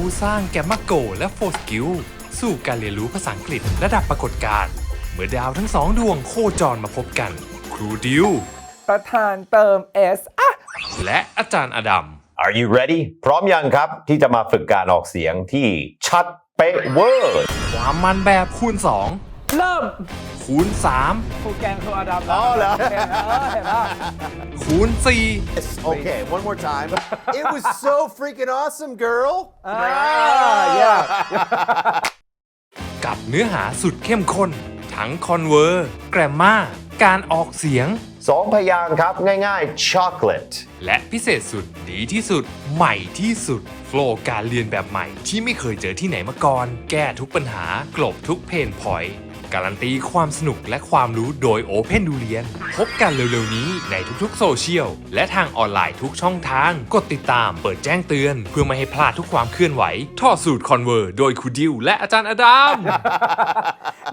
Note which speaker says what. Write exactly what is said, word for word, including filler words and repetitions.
Speaker 1: ผู้สร้างแกมมาโกและโฟสกิลสู่การเรียนรู้ภาษาอังกฤษระดับปรากฏการณ์เมื่อดาวทั้งสองดวงโคจรมาพบกันครูดิว
Speaker 2: ประธานเติม S อ่ะ
Speaker 1: และอาจารย์อดัม
Speaker 3: Are you ready พร้อมยังครับที่จะมาฝึกการออกเสียงที่ชัดเป๊ะเวอร์
Speaker 1: ความมันแบบคูณสอง
Speaker 2: เริ่ม
Speaker 1: คูณสาม
Speaker 2: ครูแกงครูอดัม
Speaker 3: อ๋อเหรอ
Speaker 2: เห็นเออเห็นป่ะ
Speaker 1: คูณสี่
Speaker 4: Okay, one more time. It was so freaking awesome, girl.
Speaker 2: อ่าอย่า
Speaker 1: กับเนื้อหาสุดเข้มข้น ทั้งคอนเวอร์แกรมมาการออกเสียง
Speaker 3: สองพยางค์ครับง่ายๆ chocolate
Speaker 1: และพิเศษสุดดีที่สุด ใหม่ที่สุด โฟลว์การเรียนแบบใหม่ที่ไม่เคยเจอที่ไหนมาก่อน แก้ทุกปัญหากลบทุกเพนพอยต์การันตีความสนุกและความรู้โดย Open ดูเรียน พบกันเร็วๆนี้ในทุกๆโซเชียลและทางออนไลน์ทุกช่องทาง กดติดตามเปิดแจ้งเตือน เพื่อไม่ให้พลาดทุกความเคลื่อนไหวท่อสูตรคอนเวอร์โดยครูดิวและอาจารย์อดัม